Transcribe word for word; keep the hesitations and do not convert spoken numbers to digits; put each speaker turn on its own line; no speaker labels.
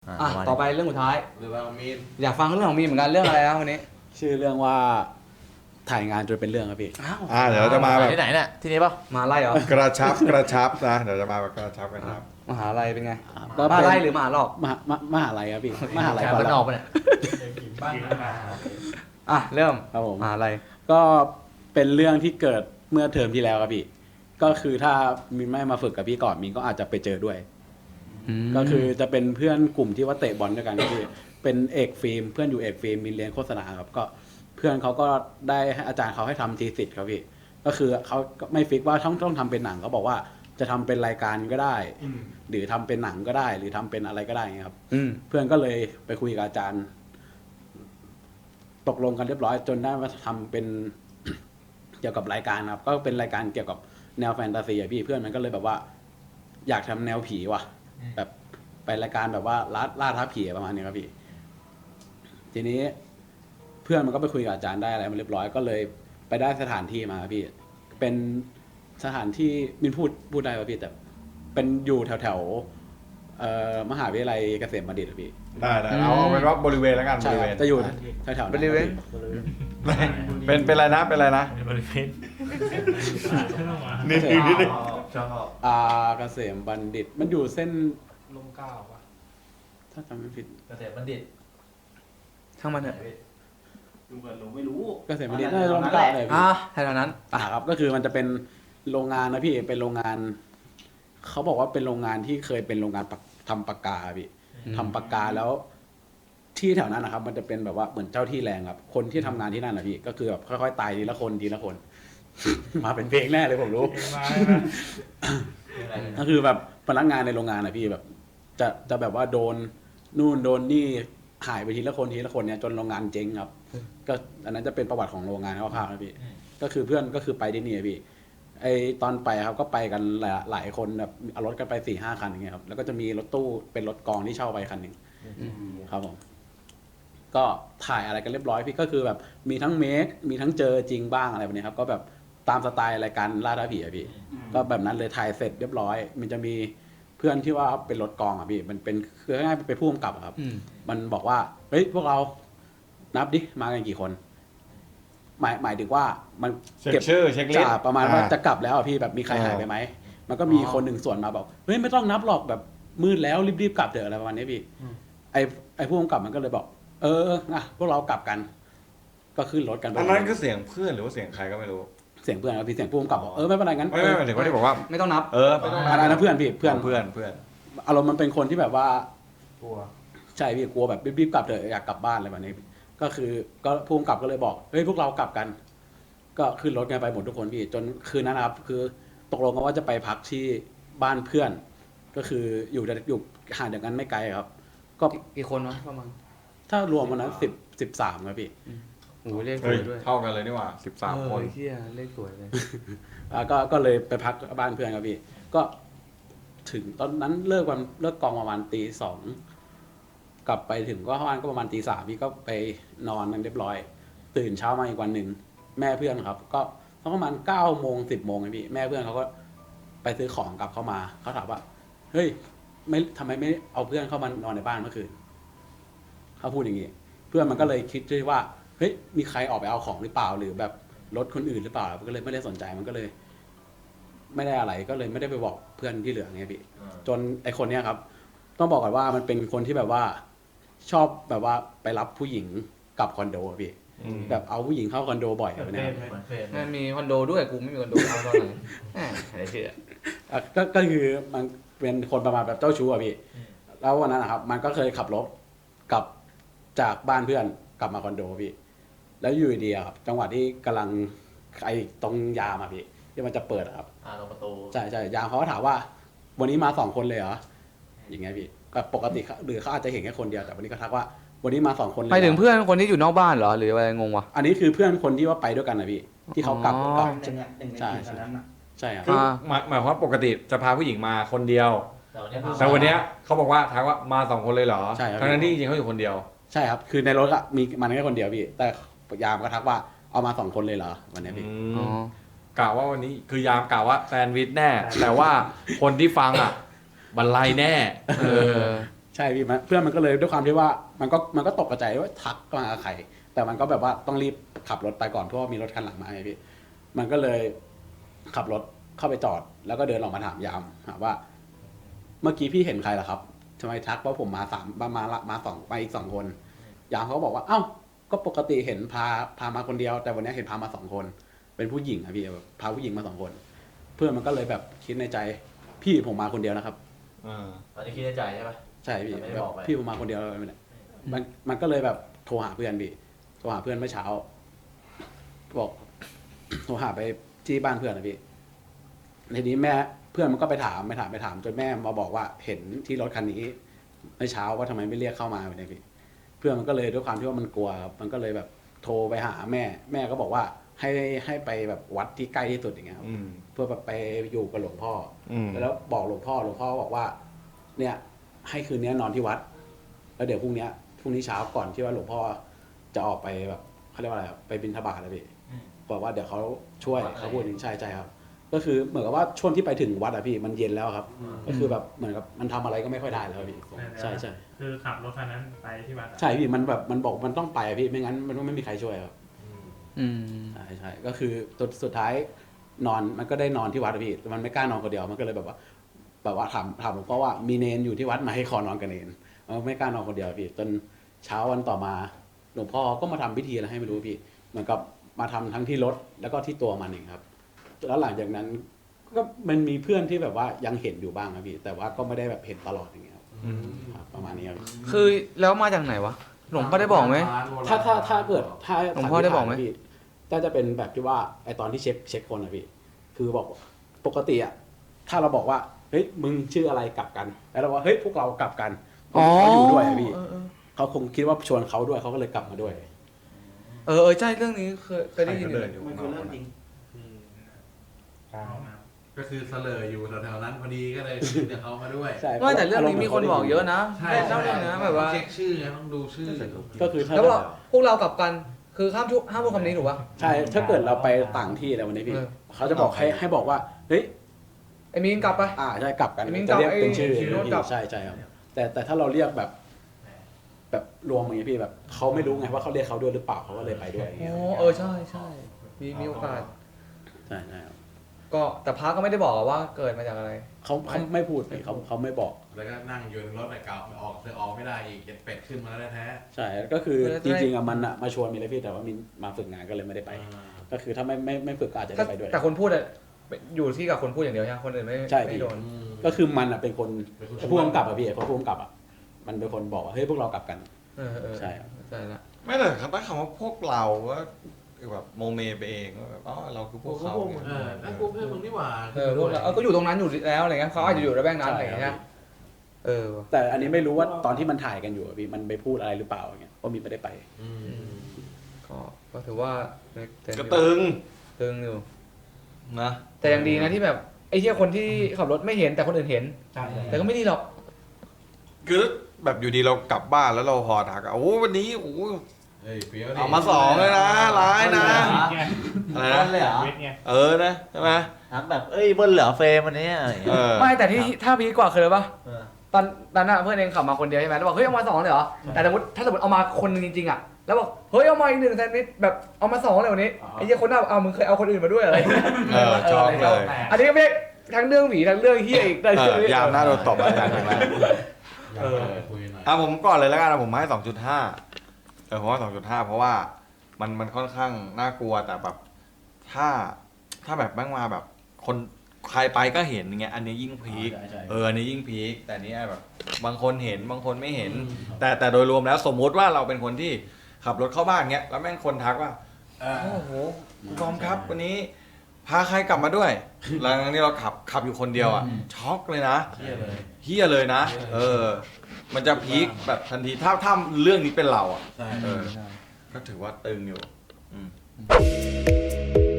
อ่ะต่อไปเรื่องสุดท้าย
หรือว่ามีน
อยากฟังเรื่องของมีนเหมือนกันเรื่องอะไรครับวันนี้
ชื่อเรื่องว่าถ่ายงานจนเป็นเรื่องครับพี่
อ้าว
อ่าเดี๋ยวเราจะมาแบบ
ที่ไหนเนี่ยที่นี่ป่ะ
มาไล่เหรอก
ระชับกระชับนะเดี๋ยวจะมาแบบกระชับกระชับ
มหาลัยเป็นไง
ก็
มา
เป็น
ไล่หรือมหาลอก
มหามมหาลัยครับพี่มหาลัย
แถว
ก่อน
บ้าน
ละ
นอกปะเนี่ย
บ้านนา
อ่ะเริ่ม
ครับผม
มหาลัย
ก็เป็นเรื่องที่เกิดเมื่อเทอมที่แล้วครับพี่ก็คือถ้ามินไม่มาฝึกกับพี่ก่อนมินก็อาจจะไปเจอด้วย ก็คือจะเป็นเพื่อนกลุ่มที่ว่าเตะบอลด้วยกันครับพี่เป็นเอกฟิล์มเพื่อนอยู่เอกฟิล์มมินเรียนโฆษณาครับก็เพื่อนเขาก็ได้ให้อาจารย์เขาให้ทำทีสิทธ์ครับพี่ก็คือเขาก็ไม่ฟิกว่าต้องต้องทำเป็นหนังเขาบอกว่าจะทำเป็นรายการก็ได้ หรือทำเป็นหนังก็ได้ หรือทำเป็นอะไรก็ได้เงี้ยครับ
อืม
เพื่อนก็เลยไปคุยกับอาจารย์ ตกลงกันเรียบร้อย จนได้มาทำเป็น เกี่ยวกับรายการครับ ก็เป็นรายการเกี่ยวกับแนวแฟนตาซีอะพี่เพื่อนมันก็เลยแบบว่า อยากทำแนวผีว่ะ แบบไปรายการแบบว่าล่าล่าท้าผีประมาณนี้ครับพี่ ทีนี้ เพื่อนมันก็ไปคุยกับอาจารย์ได้อะไรมาเรียบร้อยก็เลยไปได้สถานที่มาครับพี่ เป็นสถานที่มินพูดพูดได้ป่ะพี่แต่เป็นอยู่แถวแถวๆเอ่อมหาวิทยาลัยเกษมบัณฑิตอะพี่
ได้ได้เอาเอาเป็นว่าบริเวณแล้วกันบ
ใช่
ริ
ค
เว
รับ
ณ
จะอยู่แถวแถวๆ
บ
นั้น
ริเวณ
เป็นเป็นอะไรนะเป็นอะไรนะ
บริเวณ
นิดนึงนิดนึง
ชอบ
อ่าเกษมบัณฑิต มันอยู่เส้น
ลมเก้าป่ะ
ถ้าจำไม่ผิด
เกษตรบัณฑิต
ช่างมันเถอะ
ดูเหมือนหนูไม่รู้
เกษมบัณฑิตน่าจะลงเกล้าเลยพี่
อ่ะแถวนั้น
อ่าครับก็คือมันจะเป็นโรงงานนะพี่เป็นโรงงานเขาบอกว่าเป็นโรงงานที่เคยเป็นโรงงานปากทำปากกาพี่ทำปากกาแล้ว ที่แถวนั้นนะครับ มันจะเป็นแบบว่าเหมือนเจ้าที่แรงครับ คนที่ทำงานที่นั่นนะพี่ก็คือแบบค่อยๆตายทีละคนทีละคน มาเป็นเพลงแน่เลยผมรู้ ก็คือแบบพนักงานในโรงงานนะพี่แบบ จะจะแบบว่าโดนนู่นโดนนี่หายไปทีละคนทีละคนเนี่ยจนโรงงานเจ๊งครับ ก็อันนั้นจะเป็นประวัติของโรงงานคร่าวๆนะพี่ ก็คือเพื่อนก็คือไปที่นี่อะพี่ ไอตอนไปครับก็ไปกันหลายหลายคนแบบเอารถกันไปสี่ห้าคันอย่างเงี้ยครับแล้วก็จะมีรถตู้เป็นรถกองที่เช่าไปคันหนึ่งครับผมก็ถ่ายอะไรกันเรียบร้อยพี่ก็คือแบบมีทั้งเมคมีทั้งเจอจริงบ้างอะไรแบบนี้ครับ ก็แบบตามสไตล์รายการล่าท้าผีอะพี่ ก็แบบนั้นเลยถ่ายเสร็จเรียบร้อย มันจะมีเพื่อนที่ว่าเป็นรถกองอ่ะพี่มันเป็นคือง่ายๆเป็นผู้กำกับอะครับ
อืม
มันบอกว่าเฮ้ยพวกเรานับดิมากันกี่คน หมายหมายถึงว่ามัน
เช็คชื่อเช็คลิส
จ่า
ต์
ประมาณว่า
อ่
จะกลับแล้วอ่ะพี่แบบมีใคร
อ่า
หายไปไหมมันก็มี
อ๋อ
คนหนึ่งส่วนมาบอกเฮ้ยไม่ต้องนับหรอกแบบมืดแล้วรีบๆกลับเถอะอะไรประมาณนี้พี่ไอไอผู้กำกับมันก็เลยบอก เออนะพวกเรากลับกัน ก็ขึ้นรถกันไป
อันนั้นคือเสียงเพื่อนหรือว่าเสียงใครก็ไม่รู้
เสียงเพื่อนครับพี่เสียงผู้กำกับบอกเออไม่เป็นไรงั้น
ไม่ไม่หมายถึงว่าที่บอกว่า
ไม่ต้องนับ
เออไม่ต้อง
อันนั้นเพื่อนพี่เพื่อน
เพื่อนเพื่อน
อารมณ์มันเป็นคนที่แบบว่า
ตัว
ใช่พี่กลัวแบบรีบๆกลับเถอะอยากกลับบ้านอะไรแบบนี้ ก็คือก็ผู้กำกับก็เลยบอกเฮ้ยพวกเรากลับกัน ก็ขึ้นรถกันไปหมดทุกคนพี่จนคืนนั้นนะครับ คือตกลงกันว่าจะไปพักที่บ้านเพื่อน ก็คืออยู่อยู่ห่างจากกันไม่ไกลครับ ก็
กี่คนวะประมาณ
ถ้ารวมวันนั้นสิบสิบสามครับพี่
โอ้โหเลขส
เฮ้
วย ยด้วย
เท่ากันเลยนี่หว่าสิบสามคน
เออเฮียเลขสวยเลย
อ่าก็ก็เลยไปพักบ้านเพื่อนครับพี่ ก็ถึงตอนนั้นเลิกวันเลิกกองประมาณตีสองกลับไปถึงก็บ้านก็ประมาณตีสามพี่ก็ไปนอนกันเรียบร้อย ตื่นเช้ามาอีกวันหนึ่งแม่เพื่อนครับ ก็ประมาณเก้าโมงสิบโมงไงพี่แม่เพื่อนเขาก็ไปซื้อของกลับเข้ามาเขาถามว่าเฮ้ยไม่ทำไมไม่เอาเพื่อนเข้ามานอนในบ้านเมื่อคืนเขาพูดอย่างนี้เพื่อนมันก็เลยคิดด้วยว่าเฮ้ยมีใครออกไปเอาของหรือเปล่าหรือแบบรถคนอื่นหรือเปล่ามันก็เลยไม่ได้สนใจมันก็เลย ไม่ได้อะไรก็เลยไม่ได้ไปบอกเพื่อนที่เหลือไงพี่จนไอคนเนี้ยครับ ต้องบอกก่อนว่ามันเป็นคนที่แบบว่า ชอบแบบว่าไปรับผู้หญิงกลับคอนโดอะพี่
อืม
แบบเอาผู้หญิงเข้าคอนโดบ่อยแบบเนี้ยครับ
เหมือนเฟซ
มันมีคอนโดด้วยกูไม่มีคอนโดเอาตอนไหนแหมอะไรเชื่อ
อ่ะก็ก็คือมันเป็นคนประมาณแบบเจ้าชู้อะพี่ แล้ววันนั้นนะครับ มันก็เคยขับรถกลับจากบ้านเพื่อนกลับมาคอนโดพี่ แล้วอยู่ดีๆอะครับ จังหวะที่กำลังไอ้ตรงยามอะพี่ที่มันจะเปิดอะครับ
อ่าตรงประตู
ใช่ใช่ยามเขาก็ถามว่า วันนี้มาสองคนเลยเหรออย่างเงี้ยพี่แบบปกติเขาหรือเขาอาจจะเห็นแค่คนเดียวแต่วันนี้ก็ทักว่า วันนี้มาสองคนเลย
ไป
เหรอ
ถึงเพื่อนคนที่อยู่นอกบ้านเหรอหรืออะไรงงวะ
อันนี้คือเพื่อนคนที่ว่าไปด้วยกันนะพี่ที่เขากลับ
อ๋อ
กลับ
หนึ่งอ่ะหนึ่งใน
ใช่
ทีมนั้นอ่ะ
ใช่ครับ
คือหมายหมายความว่าปกติจะพาผู้หญิงมาคนเดียว
แต่วันนี้พา
แต่วันเนี้ยเขาบอกว่าทักว่ามาสองคนเลยเหรอ
ใช่ครับ
ทั้งนั้นที่จริงๆเขาอยู่คนเดียว
ใช่ครับ คือในรถอะมีมันแค่คนเดียวพี่ แต่ยามก็ทักว่าเอามาสองคนเลยเหรอวันนี้พี่
อ๋อ
กล่าวว่าวันนี้คือยามกล่าวว่าแซนด์วิชแน่ แต่ว่าคนที่ฟังอ่ะบรรลัยแน่
เออ
ใช่พี่มันเพื่อนมันก็เลยด้วยความที่ว่ามันก็มันก็ตกกระจายว่าทักมาใครแต่มันก็แบบว่าต้องรีบขับรถไปก่อนเพราะว่ามีรถคันหลังมาไงพี่มันก็เลยขับรถเข้าไปจอด แล้วก็เดินออกมาถามยามถามว่า เมื่อกี้พี่เห็นใครล่ะครับทำไมทักว่าผมมาสามมามามาสองไปอีกสองคนยามเขาก็บอกว่าเอ้าก็ปกติเห็นพาพามาคนเดียว แต่วันนี้เห็นพามาสองคน เป็นผู้หญิงอะพี่แบบพาผู้หญิงมาสองคน เพื่อนมันก็เลยแบบคิดในใจพี่ผมมาคนเดียวนะครับ
อ่า
ตอนนี้คิดในใจใช่ปะ
ใช่พี่
แต่ไม่ได้
แบบ
บอกไป
พี่ผมมาคนเดียวเลยเนี่ยมันมันก็เลยแบบโทรหาเพื่อนพี่โทรหาเพื่อนเมื่อเช้า บอก โทรหาไปที่บ้านเพื่อนนะพี่ทีนี้แม่เพื่อนมันก็ไปถามไปถามไปถามจนแม่มาบอกว่าเห็นที่รถคันนี้เมื่อเช้าว่าทำไมไม่เรียกเข้ามาแบบนี้พี่เพื่อนมันก็เลยด้วยความที่ว่ามันกลัวครับมันก็เลยแบบโทรไปหาแม่ แม่ก็บอกว่าให้ให้ไปแบบวัดที่ใกล้ที่สุดอย่างเงี้ยครับ
อืม
เพื่อแบบไปอยู่กับหลวงพ่อ
อืม
แล้วบอกหลวงพ่อหลวงพ่อบอกว่า เนี่ย ให้คืนนี้นอนที่วัด แล้วเดี๋ยวพรุ่งนี้พรุ่งนี้เช้าก่อนที่ว่าหลวงพ่อจะออกไปแบบเขาเรียกว่าอะไรครับไปบิณฑบาตแล้วพี่บอกว่าเดี๋ยวเขาช่วยเขาพูดอย่างนี้ใช่ใช่ครับ ก็คือเหมือนกับว่าช่วงที่ไปถึงวัดอะพี่มันเย็นแล้วครับ ก็คือแบบเหมือนกับมันทำอะไรก็ไม่ค่อยได้แล้วพี่ใช่ใช่
คือขับรถคันนั้นไปที่วัด
ใช่พี่มันแบบมันบอกมันต้องไปอะพี่ไม่งั้นมันไม่มีใครช่วยครับ
อืม
ใช่ใช่ก็คือสุดสุดท้ายนอนมันก็ได้นอนที่วัดอะพี่มันไม่กล้านอนคนเดียวมันก็เลยแบบว่า แบบว่าถามถามหลวงพ่อว่ามีเนนอยู่ที่วัดไหมให้ขอนอนกับเนนมันไม่กล้านอนคนเดียวพี่จนเช้าวันต่อมาหลวงพ่อก็มาทำพิธีอะไรให้ไม่รู้พี่เหมือนกับมาทำทั้งที่รถแล้วก็ที่ตัวมันเองครับ แล้วหลังจากนั้นก็มันมีเพื่อนที่แบบว่ายังเห็นอยู่บ้างครับพี่แต่ว่าก็ไม่ได้แบบเห็นตลอดอย่างเงี้ยครับ
อืม
ครับประมาณนี้ครับ
คือแล้วมาจากไหนวะ หลวงพ่อได้บอกไหม
ถ้าถ้าถ้าเกิดถ้า
หลวงพ่อได้บอกไหม
พี่ก็จะเป็นแบบที่ว่าไอตอนที่เช็คเช็คคนอะพี่คือบอกปกติอะถ้าเราบอกว่าเฮ้ยมึงชื่ออะไรกลับกัน แล้วเราว่าเฮ้ยพวกเรากลับกันเขาอยู่ด้วยอะพี่
เออเออ
เขาคงคิดว่าชวนเขาด้วยเขาก็เลยกลับมาด้วย
เออเออใช่เรื่องนี้เคยเคยได้ยินอยู่
ใครก็เดินอยู่
มันคือเรื่องจริง
ก็คือเสลออยู่แถวๆนั้นพอดีก็เลยเดี๋ยวเขามาด้วย
ใช่
ว่าแต่เรื่องนี้มีคนบอกเยอะนะ
ใช่
แม่เล่าเรื่องนะแบบว่า
เช็คชื่อไงต้องดูชื่อ
ก็คือถ้า
แล้วว่าพวกเรากลับกันคือห้ามทุกห้ามพูดคำนี้ถูกปะ
ใช่ถ้าเกิดเราไปต่างที่อะไรวันนี้พี่
เออ
เขาจะบอกให้ให้บอกว่าเฮ้ย
ไอ้มีนกลับไป
อ่าใช่กลับกัน
ไอ้มิ้ง
จะเรียก
กลับ
เป็นชื่อ
ไอ้มิ้งกลับ
ใช่ใช่ครับแต่แต่ถ้าเราเรียกแบบ แบบรวมอย่างนี้พี่แบบเขาไม่รู้ไงว่าเขาเรียกเขาด้วยหรือเปล่าเขาก็เลยไปด้วยอย่างเงี้ย
อ๋อเออใช่ใช่มีมีโอกาส
ใช่ใช่ครับ
ก็แต่พระก็ไม่ได้บอกว่าเกิดมาจากอะไร
เขาเขาไม่พูดพี่เขาเขาไม่บอก
แล้วก็นั่งอยู่ในรถไอ้เก่าออกเธอออกไม่ได้อีกเก็ดเป็ดขึ้นมาแล้วแท้
ใช่ก็คือ
เออ
จริงๆอะมันอะมาชวนมีเลยพี่แต่ว่ามินมาฝึกงานก็เลยไม่ได้ไป ก็คือถ้าไม่ไม่ไม่ฝึกก็อาจจะ
ถ้า
ได้ไปด้วย
แต่คนพูดอะอยู่ที่กับคนพูดอย่างเดียวใช่ไหมคนอื่นไม่
ใช่
ไม่
พี่
โดน
ก็คือมันอะเป็นคน
เป็นคนชวน
ผู้กำกับอะพี่เขาผู้กำกับอะมันเป็นคนบอกว่าเฮ้ยพวกเรากลับกัน
เออเออ
ใช่ครับ
ใช่ละ
ไม่แต่คำตั้งคำว่าพวกเราก็แบบโมเมไปเองว่าแบบอ๋อเราคือพวกเขา
เออนั่นกูเพื่อนมึงนี่หว่า
เออพวกเราเออก็อยู่ตรงนั้นอยู่แล้วอะไรเงี้ยเขาอาจจะอยู่ระแวกนั้นอะไรเงี้ยเออว่ะ
แต่อันนี้ไม่รู้ว่าตอนที่มันถ่ายกันอยู่อะพี่มันไปพูดอะไรหรือเปล่าอย่างเงี้ยเพราะมินไม่ได้ไป
ก็ก็ถือว่า
ก็ตึง
ตึงอยู่
นะ
แต่ยังดีนะที่แบบไอ้เหี้ยคนที่ขับรถไม่เห็นแต่คนอื่นเห็น
ใช่
แต่ก็ไม่ดีหรอก
คือแบบอยู่ดีเรากลับบ้านแล้วเราพอทักอะโอ้วันนี้โอ้
เฮ้ยเฟี้ยวดิ
เอามาสองเลยนะร้ายนะอะไร
นั่
นะ
นเลยเหรอ
เวทไง
เออนะใช่ไหม
ทักแบบเอ้ยเบิ้ลเหลือเฟรมวันนี้อะไรอย่าง
เอ
เงี้ย
อ
ไม่แต่ที่ถ้าพีคกว่าคืออะไรปะ
เออ
ตอนตอนนั้นอะเพื่อนเองขับมาคนเดียวใช่ไหมแล้วบอกเฮ้ยเอามาสองเลยเหรอแต่สมมติถ้าสมมติเอามาคนหนึงจริงๆอะแล้วบอกเฮ้ยเอามาอีกหนึ่งแซนด์วิชแบบเอามาสองเลยวันนี้ไอ้เหี้ยคนหน้าเอามึงเคยเอาคนอื่นมาด้วยอะไร
เออชอบเลย
อันนี้ก็ไม่ทั้งเรื่องหวีทั้งเรื่องเฮียอีก
เออยามหน้าโดนตบอาจารย์อย่างแรก
เออคุยหน่อย
อ่ะผมก่อนเลยแล้วกันนะผมให้สองจุดห้าเออผมว่าสองจุดห้าเพราะว่ามันมันค่อนข้างน่ากลัวแต่แบบถ้าถ้าแบบแม่งมาแบบคนใครไปก็เห็นอย่างเงี้ยอันนี้ยิ่งพีค
ใช่ใช่
เอออันนี้ยิ่งพีคแต่อันนี้แบบบางคนเห็นบางคนไม่เห็น แต่แต่โดยรวมแล้วสมมุติว่าเราเป็นคนที่ขับรถเข้าบ้านเงี้ยแล้วแม่งคนทักว่า
เออ
โอ้โหคุณบอมครับวันนี้พาใครกลับมาด้วยหลังจากนี้เราขับขับอยู่คนเดียวอ่ะช็อกเลยนะ
เที่ยเลย
เฮียเลยนะ เออ มันจะพีคแบบทันทีถ้าถ้าเรื่องนี้เป็นเราอ่ะ
ใช่
เออ ก็ถือว่าตึงอยู่อืม